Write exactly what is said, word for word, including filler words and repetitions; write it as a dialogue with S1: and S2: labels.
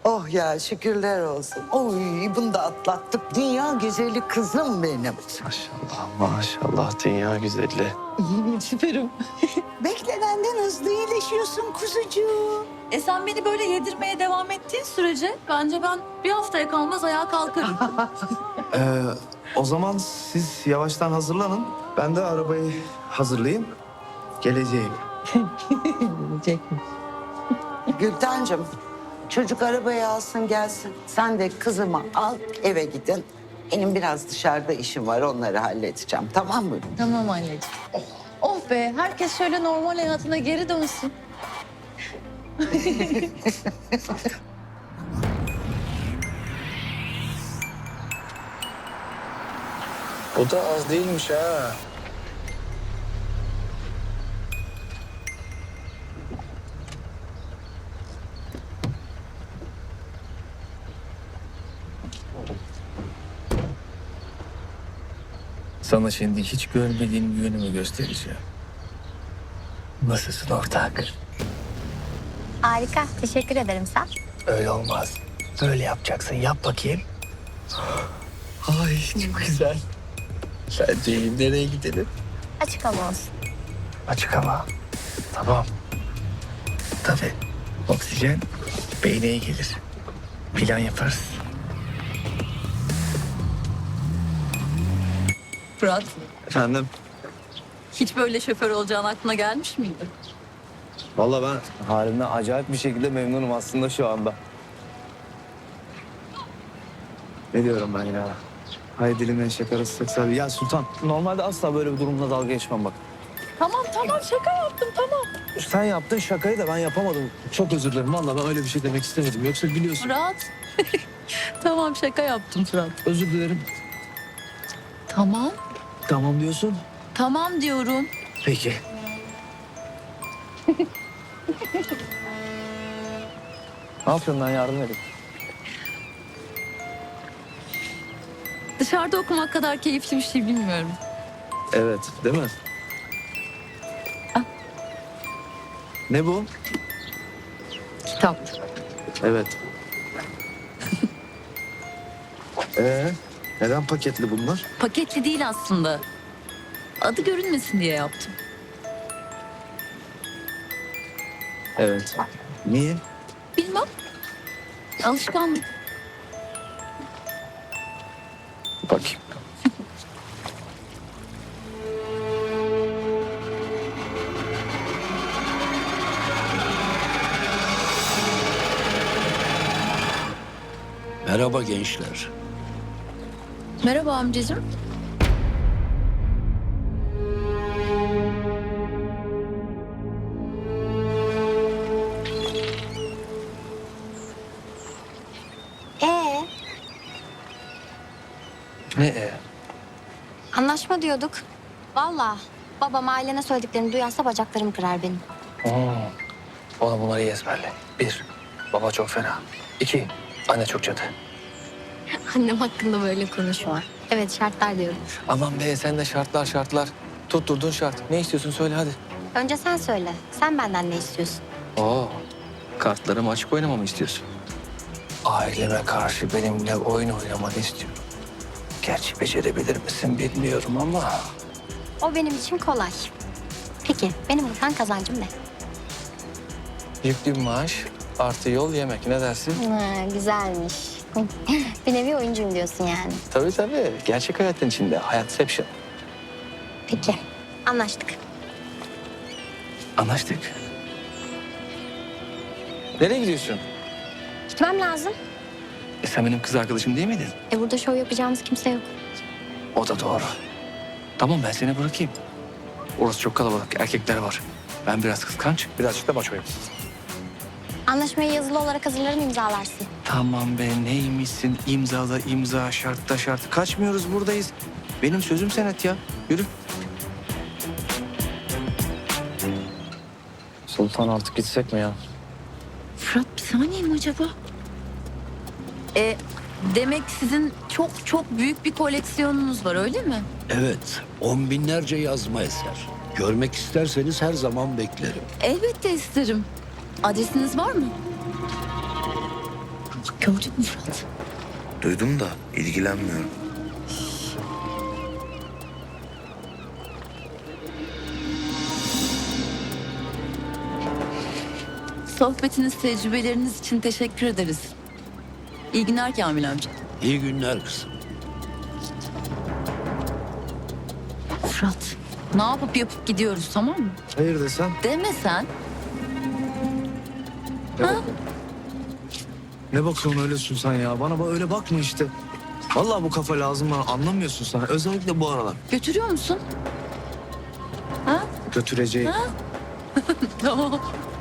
S1: Oh ya şükürler olsun. Oy bunu da atlattık. Dünya güzeli kızım benim.
S2: Maşallah maşallah dünya güzeli.
S3: Süperim.
S1: Beklenenden hızlı iyileşiyorsun kuzucuğum.
S3: E sen beni böyle yedirmeye devam ettiğin sürece bence ben bir haftaya kalmaz ayağa kalkarım.
S2: Ee, o zaman siz yavaştan hazırlanın. Ben de arabayı hazırlayayım. Geleceğim.
S1: Gültencim çocuk arabayı alsın gelsin. Sen de kızımı al eve gidin. Benim biraz dışarıda işim var onları halledeceğim tamam mı?
S3: Tamam anneciğim. Oh be herkes şöyle normal hayatına geri dönsün.
S2: Bu da az değilmiş ha. Sana şimdi hiç görmediğin bir yönümü göstereceğim. Nasılsın ortak?
S4: Harika. Teşekkür ederim sen.
S2: Öyle olmaz. Böyle yapacaksın. Yap bakayım. Ay çok güzel. Sence nereye gidelim?
S4: Açık hava olsun.
S2: Açık hava. Tamam. Tabii. Oksijen beyne iyi gelir. Plan yaparız.
S3: Fırat
S2: Efendim?
S3: hiç böyle şoför olacağın aklına gelmiş miydi?
S2: Vallahi ben halimden acayip bir şekilde memnunum aslında şu anda. Ne diyorum ben ya? Hay dilinden şakarası sekser. Ya Sultan, normalde asla böyle bir durumla dalga geçmem bak.
S3: Tamam tamam şaka yaptım tamam.
S2: Sen yaptın şakayı da ben yapamadım. Çok özür dilerim. Vallahi ben öyle bir şey demek istemedim. Yoksa biliyorsun.
S3: Fırat. Tamam şaka yaptım Fırat.
S2: Özür dilerim.
S3: Tamam.
S2: Tamam diyorsun.
S3: Tamam diyorum.
S2: Peki. Ne yapıyorsun ben yardım edeyim.
S3: Dışarıda okumak kadar keyifli bir şey bilmiyorum.
S2: Evet, değil mi?
S3: Ah.
S2: Ne bu?
S3: Kitap.
S2: Evet. Ee, neden paketli bunlar?
S3: Paketli değil aslında. Adı görünmesin diye yaptım.
S2: Evet. Niye?
S3: Bilmem. Alışkanlık.
S2: Bakayım.
S5: Merhaba gençler.
S3: Merhaba amcacığım.
S4: Ee,
S2: Ne e?
S4: anlaşma diyorduk. Vallahi babam ailene söylediklerini duyarsa bacaklarım kırar benim.
S2: Oo. Ona bunları iyi ezberle. Bir, baba çok fena. İki, anne çok cadı.
S4: Annem hakkında böyle konuşma. Evet şartlar diyorum.
S2: Aman be sen de şartlar şartlar. Tutturdun şart. Ne istiyorsun söyle hadi.
S4: Önce sen söyle. Sen benden ne istiyorsun?
S2: Oo, kartlarımı açık oynamamı istiyorsun. Aileme karşı benimle oyun oynamanı istiyorum. Gerçi becerebilir misin bilmiyorum ama...
S4: O benim için kolay. Peki benim buradan kazancım ne?
S2: Yüklü bir maaş artı yol yemek ne dersin?
S4: Ha, güzelmiş. Bir nevi oyuncuyum diyorsun yani.
S2: Tabii tabii. Gerçek hayatın içinde. Hayatception.
S4: Peki anlaştık.
S2: Anlaştık. Nereye gidiyorsun?
S4: Gitmem lazım.
S2: E sen benim kız arkadaşım değil miydin?
S4: E burada şov yapacağımız kimse yok.
S2: O da doğru. Tamam ben seni bırakayım. Orası çok kalabalık. Erkekler var. Ben biraz kıskanç, birazcık da maçoyum.
S4: Anlaşmayı yazılı olarak hazırlarım imzalarsın.
S2: Tamam be neymişsin? İmzala imza, şartta şart. Kaçmıyoruz buradayız. Benim sözüm senet ya. Yürü. Sultan artık gitsek mi ya?
S3: Fırat bir saniye mi acaba? E, demek sizin çok çok büyük bir koleksiyonunuz var öyle mi?
S5: Evet, on binlerce yazma eser. Görmek isterseniz her zaman beklerim.
S3: Elbette isterim. Adresiniz var mı? Gördün mü Fırat?
S6: Duydum da ilgilenmiyorum.
S3: Sohbetiniz, tecrübeleriniz için teşekkür ederiz. İyi günler Kamil amca.
S5: İyi günler kızım.
S3: Fırat, ne yapıp yapıp gidiyoruz, tamam mı?
S7: Hayır desem.
S3: Deme sen. Ha?
S7: Ne bakıyorsun öylesin sen ya? Bana bak öyle bakma işte. Vallahi bu kafa lazım bana. Anlamıyorsun sen. Özellikle bu aralar.
S3: Götürüyor musun? Ha?
S7: Götüreceğim.
S3: Tamam.